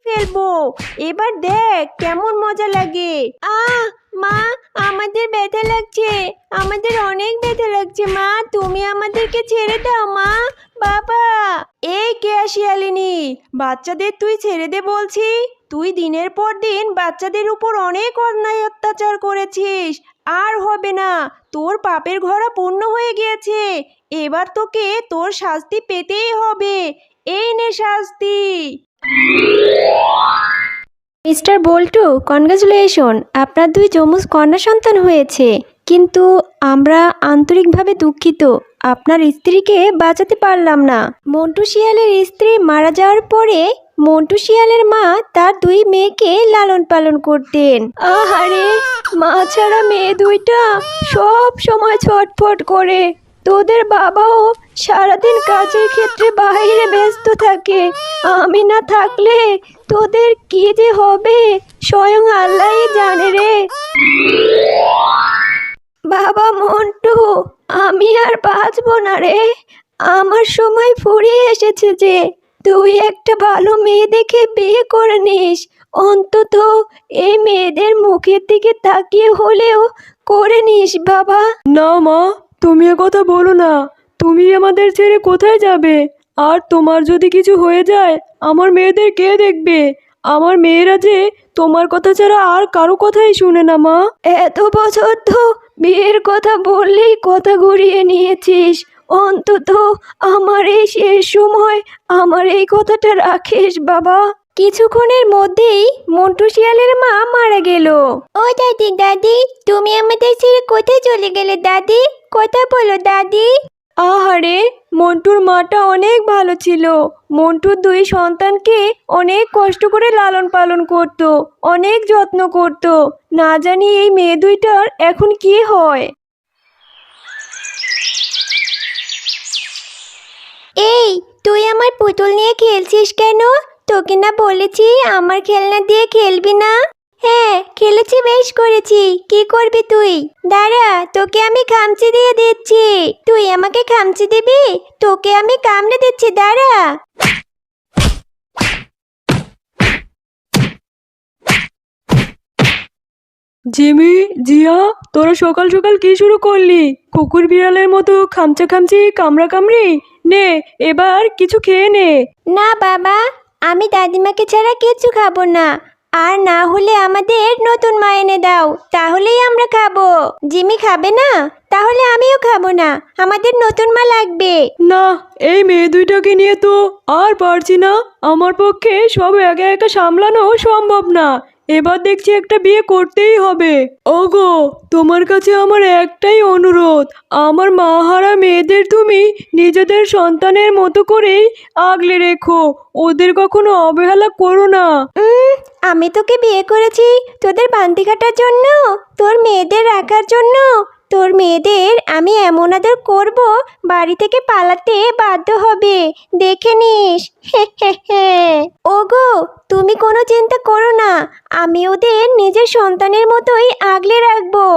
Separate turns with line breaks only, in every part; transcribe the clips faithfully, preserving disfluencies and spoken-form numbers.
ফেলবো। এবার দেখ কেমন মজা লাগে। আহ মা, আমাদের ব্যথা লাগছে, আমাদের অনেক ব্যথা লাগছে মা, তুমি আমাদেরকে ছেড়ে দাও মা। বাবা, এই কে শিয়ালিনী, বাচ্চাদের তুই ছেড়ে দে বলছি। তুই দিনের পর দিন বাচ্চাদের উপর অনেক অন্যায় অত্যাচার করেছিস। আর হবে না, তোর পাপের ঘোড়া পূর্ণ হয়ে গিয়েছে। এবার তোকে তোর শাস্তি পেতেই হবে। এই নে শাস্তি। মিস্টার বল্টু, কনগ্রাচুলেশন, আপনার দুই যমজ কন্যা সন্তান হয়েছে। কিন্তু আমরা আন্তরিকভাবে দুঃখিত, আপনার স্ত্রীকে বাঁচাতে পারলাম না। মন্টু শিয়ালের স্ত্রী মারা যাওয়ার পরে মন্টু শিয়ালের মা তার দুই মেয়েকে লালন পালন করতেন। আহারে, মা ছাড়া মেয়ে দুইটা সব সময় ছটফট করে। তোদের বাবাও সারাদিন কাজের ক্ষেত্রে বাইরে ব্যস্ত থাকে। আমি না থাকলে তোদের কি যে হবে স্বয়ং আল্লাহই জানে রে। বাবা মন্টু, আমি আর বাঁচবো না রে। আমার সময় ফুরিয়ে এসেছে যে। তুই একটা ভালো মেয়ে দেখে বিয়ে করে নিস। অন্তত এই মেয়েদের মুখের দিকে তাকিয়ে হলেও করে নিস বাবা।
না মা, তুমি কথা বলো না। তুমি আমাদের ছেড়ে কোথায় যাবে? আর তোমার যদি কিছু হয়ে যায় আমার মেয়েদের কে দেখবে? আমার মেয়েরা যে তোমার কথা ছাড়া আর কারো কথাই শুনে না মা।
এত বছর তো বিয়ের কথা বললেই কথা ঘুরিয়ে নিয়েছিস। অন্তত আমার এই শেষ সময় আমার এই কথাটা রাখিস বাবা। কিছুক্ষণের মধ্যেই মন্টু শিয়ালের মা মারা গেল। ও দাদি, দাদি, তুমি আমাদের ছেড়ে কোথায় চলে গেলে দাদি? কথা বলো দাদি।
আহারে, মন্টুর মাটা অনেক ভালো ছিল। মন্টুর দুই সন্তানকে অনেক কষ্ট করে লালন পালন করত, অনেক যত্ন করত। না জানি এই মেয়ে দুইটার এখন কি হয়।
এই, তুই আমার পুতুল নিয়ে খেলছিস কেন? তোকে না বলেছি আমার খেলনা দিয়ে খেলবি না? হ্যাঁ, খেলেছি, বেশ করেছি। কি করবি তুই? দাঁড়া, তোকে আমি খামচি দিয়ে দিচ্ছি। তুই আমাকে খামচি দিবি? তোকে আমি কামড়ে দিচ্ছি, দাঁড়া।
জিমি, জিয়া, তোরা সকাল সকাল কি শুরু করলি? কুকুর বিড়ালের মতো খামচা খামচি কামড়া কামড়ি। নে, এবার কিছু খেয়ে নে।
না বাবা, আমি দাদিমাকে ছাড়া কিচ্ছু খাবো না। আর না হলে আমাদের নতুন মা এনে দাও, তাহলেই আমরা খাবো। জিমি খাবে না? তাহলে আমিও খাবো না, আমাদের নতুন মা লাগবে।
না, এই মেয়ে দুইটাকে নিয়ে তো আর পারছি না। আমার পক্ষে সব একা একা সামলানো সম্ভব না। এবার দেখছি একটা বিয়ে করতেই হবে। ওগো, তোমার কাছে আমার একটাই অনুরোধ, আমার মাহারা মেয়েদের তুমি নিজেদের সন্তানের মতো করেই আগলে রেখো। ওদের কখনো অবহেলা করো না।
উম, আমি তোকে বিয়ে করেছি তোদের বান্তি কাটার জন্য, তোর মেয়েদের রাখার জন্য। তোর মেয়েদের আমি এমন আদর করব, বাড়ি থেকে পালাতে বাধ্য হবে, দেখে নিস। ওগো, তুমি কোনো চিন্তা করো না, আমি ওদের নিজের সন্তানের মতোই আগলে রাখবো।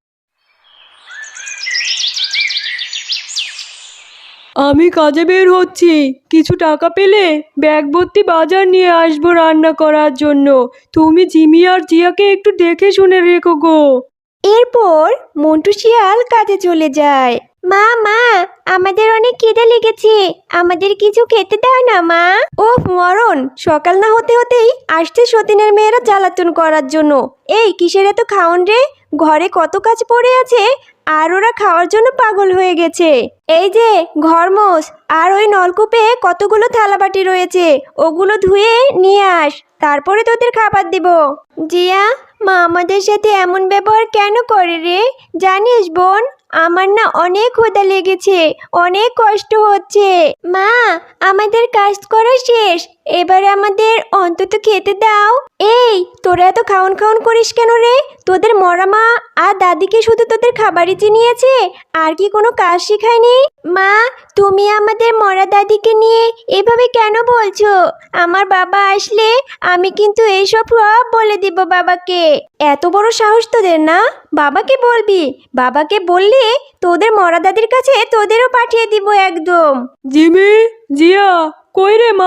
আমি কাজে বের হচ্ছি, কিছু টাকা পেলে ব্যাগ ভর্তি বাজার নিয়ে আসবো রান্না করার জন্য। তুমি জিমি আর জিয়াকে একটু দেখে শুনে রেখো গো।
এরপর মন্টু শিয়াল কাজে চলে যায়। মা, মা, আমাদের অনেক খিদে লেগেছে, আমাদের কিছু খেতে দাও না মা। ও মরণ, সকাল না হতে হতেই আসছে সতীনের মেয়েরা জ্বালাতন করার জন্য। এই কিসের এত খাওন রে? ঘরে কত কাজ পড়ে আছে, আর ওরা খাওয়ার জন্য পাগল হয়ে গেছে। এই যে ঘরমোস, আর ওই নলকূপে কতগুলো থালাবাটি রয়েছে, ওগুলো ধুয়ে নিয়ে আস, তারপরে তোদের খাবার দিব। জিয়া, মা আমাদের সাথে এমন ব্যবহার কেন করে রে? জানিস বোন, আমার না অনেক ক্ষুধা লেগেছে, অনেক কষ্ট হচ্ছে। মা, আমাদের কাজ করা শেষ, এবার আমাদের অন্তত খেতে দাও। এই, তোরা এত খাওন খাওন করিস কেন রে? তোদের মরা মা আর দাদিকে শুধু তোদের খাবারই চিনিয়েছে, আর কি কোনো কাজ শেখায়নি? মা, তুমি আমাদের মরা দাদিকে নিয়ে এভাবে কেন বলছো? আমার বাবা আসলে আমি কিন্তু এইসব সব বলে দিব বাবাকে। এত বড় সাহস তোদের না? বাবাকে বলবি? বাবাকে বললে তোদের মরা দাদির কাছে তোদেরও পাঠিয়ে দিব একদম।
জিমি, জিয়া, কই রে মা?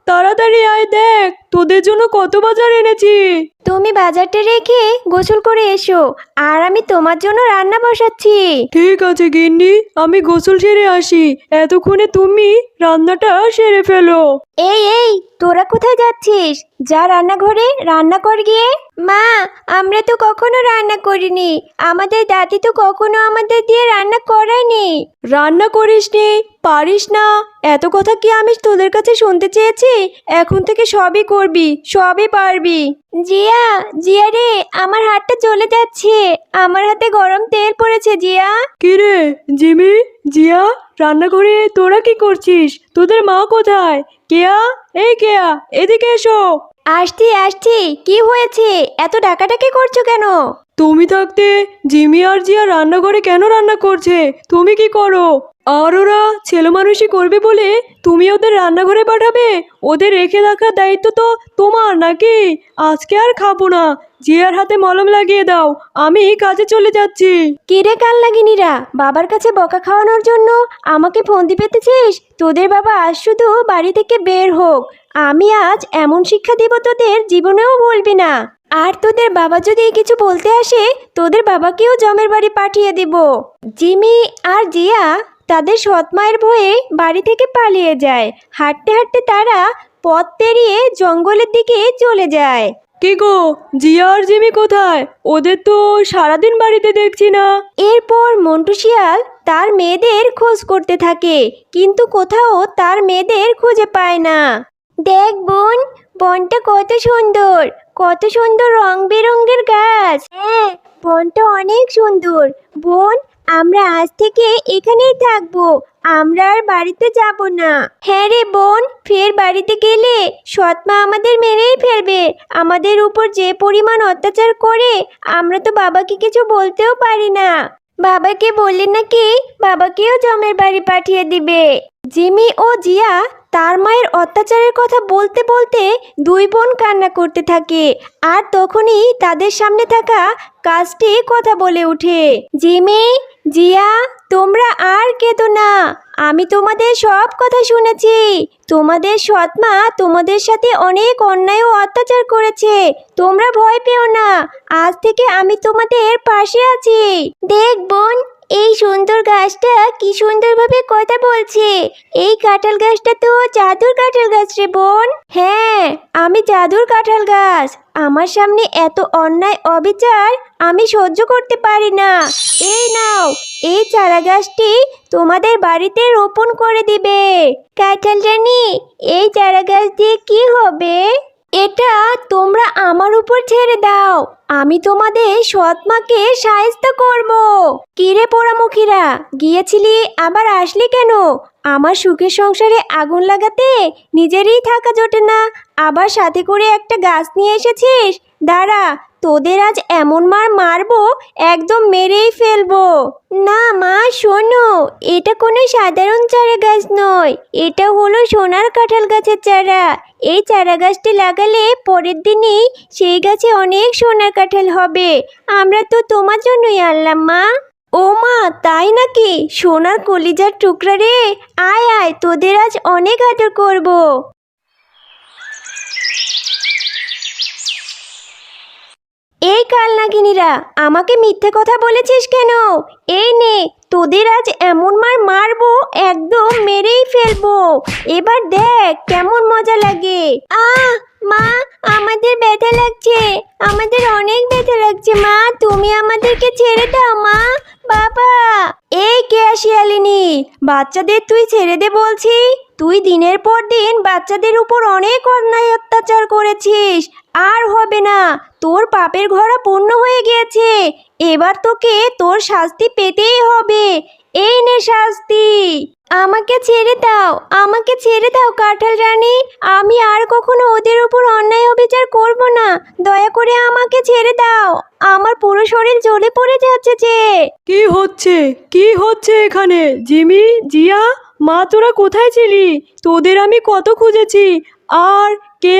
তাড়াতাড়ি আয়, দেখ তোদের জন্য কত বাজার এনেছি।
তুমি বাজারটা রেখে গোসল করে এসো, আর আমি তোমার জন্য রান্না বসাচ্ছি।
ঠিক আছে গিন্নি, আমি গোসল সেরে আসি, এতক্ষণে তুমি রান্নাটা সেরে ফেলো।
এই এই তোরা কোথায় যাচ্ছিস? যা রান্নাঘরে রান্না কর গিয়ে। মা, আমরা তো কখনো রান্না করিনি, আমাদের দাদি তো কখনো আমাদের দিয়ে রান্না করায়নি।
রান্না করিসনি, পারিস না, এত কথা কি আমি তোদের কাছে শুনতে চেয়েছি? এখন থেকে সবই করবি, সবই পারবি।
জিয়া, জিয়া রে, আমার হাতটা চলে যাচ্ছে, আমার হাতে গরম তেল পড়েছে জিয়া।
কিরে জিমি, জিয়া, রান্নাঘরে তোরা কি করছিস? তোদের মা কোথায়? কেয়া, এই কেয়া, এদিকে এসো।
আসছি আসছি, কি হয়েছে? এত ডাকাডাকি করছো কেন?
তুমি থাকতে জিমি আর জিয়া রান্নাঘরে কেন রান্না করছে? তুমি কি করো? আর ওরা ছেলে মানুষই করবে বলে তুমি ওদের রান্নাঘরে পাঠাবে? ওদের রেখে রাখার দায়িত্ব তো তোমার নাকি? আজকে আর খাবো না, জিয়ার হাতে মলম লাগিয়ে দাও, আমি কাজে চলে যাচ্ছি।
কিরে কাল লাগিনিরা, বাবার কাছে বকা খাওয়ানোর জন্য আমাকে ফন্দি পেতেছিস? তোদের বাবা আজ শুধু বাড়ি থেকে বের হোক, আমি আজ এমন শিক্ষা দেব তোদের জীবনেও বলবি না। আর তোদের বাবা যদি কিছু বলতে আসে, তোদের বাবাকেও জমের বাড়ি পাঠিয়ে দিব। জিমি আর জিয়া তাদের সৎ মায়ের ভয়ে বাড়ি থেকে পালিয়ে যায়। হাঁটতে হাঁটতে তারা পথ পেরিয়ে জঙ্গলের দিকে চলে যায়।
কি গো, জিয়া আর জিমি কোথায়? ওদের তো সারাদিন বাড়িতে দেখছি না।
এরপর মন্টু শিয়াল তার মেয়েদের খোঁজ করতে থাকে, কিন্তু কোথাও তার মেয়েদের খুঁজে পায় না। দেখ বোন, বনটা কত সুন্দর, কত সুন্দর রং বেরঙের গাছ। হ্যাঁ, বনটা অনেক সুন্দর। বোন, আমরা আজ থেকে এখানেই থাকবো, আমরা আর বাড়িতে যাব না। হ্যাঁ রে বোন, ফের বাড়িতে গেলে সৎমা আমাদের মেরেই ফেলবে। আমাদের উপর যে পরিমাণ অত্যাচার করে, আমরা তো বাবাকে কিছু বলতেও পারি না। বাবাকে বললে নাকি বাবাকেও জমের বাড়ি পাঠিয়ে দিবে। জিমি ও জিয়া তার মায়ের অত্যাচারের কথা বলতে বলতে দুই বোন কান্না করতে থাকে, আর তখনই তাদের সামনে থাকা গাছটি কথা বলে ওঠে। জিমি, জিয়া, তোমরা আর কেঁদো না, আমি তোমাদের সব কথা শুনেছি। তোমাদের সৎমা তোমাদের সাথে অনেক অন্যায় ও অত্যাচার করেছে, তোমরা ভয় পেও না, আজ থেকে আমি তোমাদের পাশে আছি। দেখ বোন, এই সুন্দর গাছটা কি সুন্দরভাবে কথা বলছে। এই কাঁঠাল গাছটা তো জাদুর কাঁঠাল গাছ রে বোন। হ্যাঁ, আমি জাদুর কাঁঠাল গাছ, আমার সামনে এত অন্যায় অবিচার আমি সহ্য করতে পারি না। এই নাও, এই চারা গাছটি তোমাদের বাড়িতে রোপণ করে দিবে। কাঁঠাল রানী, এই চারা গাছ দিয়ে কি হবে? এটা তোমরা আমার উপর ছেড়ে দাও, আমি তোমাদের সৎ মাকে সাহায্য করব। কিরে পোড়ামুখীরা, গিয়েছিলি আবার আসলি কেন? আমার সুখের সংসারে আগুন লাগাতে নিজেরই থাকা জোটে না, আবার সাথে করে একটা গাছ নিয়ে এসেছিস। দাঁড়া, তোদের আজ এমন মার মারবো, একদম মেরেই ফেলবো। না মা, শোনো, এটা কোনো সাধারণ চারা গাছ নয়, এটা হলো সোনার কাঁঠাল গাছের চারা। এই চারা গাছটি লাগালে পরের দিনই সেই গাছে অনেক সোনার কাঁঠাল হবে। আমরা তো তোমার জন্যই আনলাম মা। ও মা, তাই নাকি? সোনার কলিজার টুকরা রে, আয় আয়, তোদের আজ অনেক আদর করব। এই কাল নাগিনীরা, আমাকে মিথ্যে কথা বলেছিস কেন? এই নে, তোদের আজ এমন মার মারবো, একদম মেরেই ফেলবো। এবার দেখ কেমন মজা লাগে। আহ মা, আমাদের ব্যথা লাগছে, আমাদের অনেক ব্যথা লাগছে মা, তুমি আমাদেরকে ছেড়ে দাও মা। বাবা, এই কে শিয়ালিনী, বাচ্চাদের তুই ছেড়ে দে বলছি। তুই দিনের পর দিন বাচ্চাদের উপর অনেক অন্যায় অত্যাচার করেছিস, আর হবে না, তোর পাপের ঘোড়া পূর্ণ হয়ে গিয়েছে, এবার তোকে তোর শাস্তি পেতেই হবে। এই নে শাস্তি। আমাকে ছেড়ে দাও, আমাকে ছেড়ে দাও কাঁঠাল রানী, আমি আর কখনো ওদের উপর অন্যায় অবিচার করব না, দয়া করে আমাকে ছেড়ে দাও, আমার পুরো শরীর জ্বলে পড়ে যাচ্ছে যে।
কি হচ্ছে, কি হচ্ছে এখানে? জিমি, জিয়া, মা তোরা কোথায় ছিলি? তোদের আমি কত খুঁজেছি। আর কেয়া,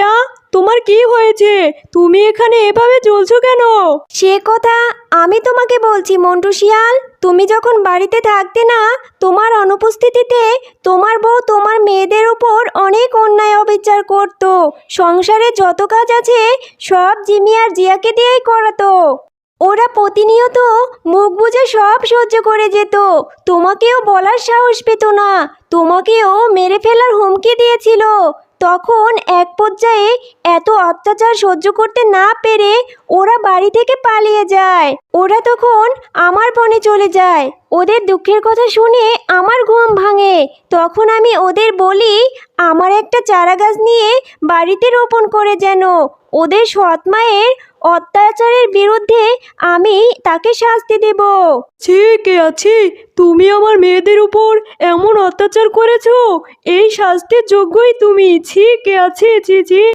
তোমার কি হয়েছে? তুমি এখানে এভাবে জ্বলছো কেন?
সে কথা আমি তোমাকে বলছি মন্টু শিয়াল। তুমি যখন বাড়িতে থাকতে না, তোমার অনুপস্থিতিতে তোমার বউ তোমার মেয়েদের উপর অনেক অন্যায় অবিচার করত। সংসারে যত কাজ আছে সব জিমি আর জিয়াকে দিয়েই করাতো। ওরা প্রতিনিয়ত মুখ বুজে সব সহ্য করে যেত, তোমাকেও বলার সাহস পেত না, তোমাকেও মেরে ফেলার হুমকি দিয়েছিল। তখন এক পর্যায়ে এত অত্যাচার সহ্য করতে না পেরে ওরা বাড়ি থেকে পালিয়ে যায়। ওরা তখন আমার বনে চলে যায়। ওদের দুঃখের কথা শুনে আমার ঘুম ভাঙে। তখন আমি ওদের বলি আমার একটা চারা গাছ নিয়ে বাড়িতে রোপণ করে যেন ওদের সৎ মায়ের অত্যাচারের বিরুদ্ধে আমি তাকে শাস্তি দেব।
ছি কে আছি, তুমি আমার মেয়েদের উপর এমন অত্যাচার করেছো, এই শাস্তির যোগ্যই তুমি। ছি কে আছি, ছি ছি।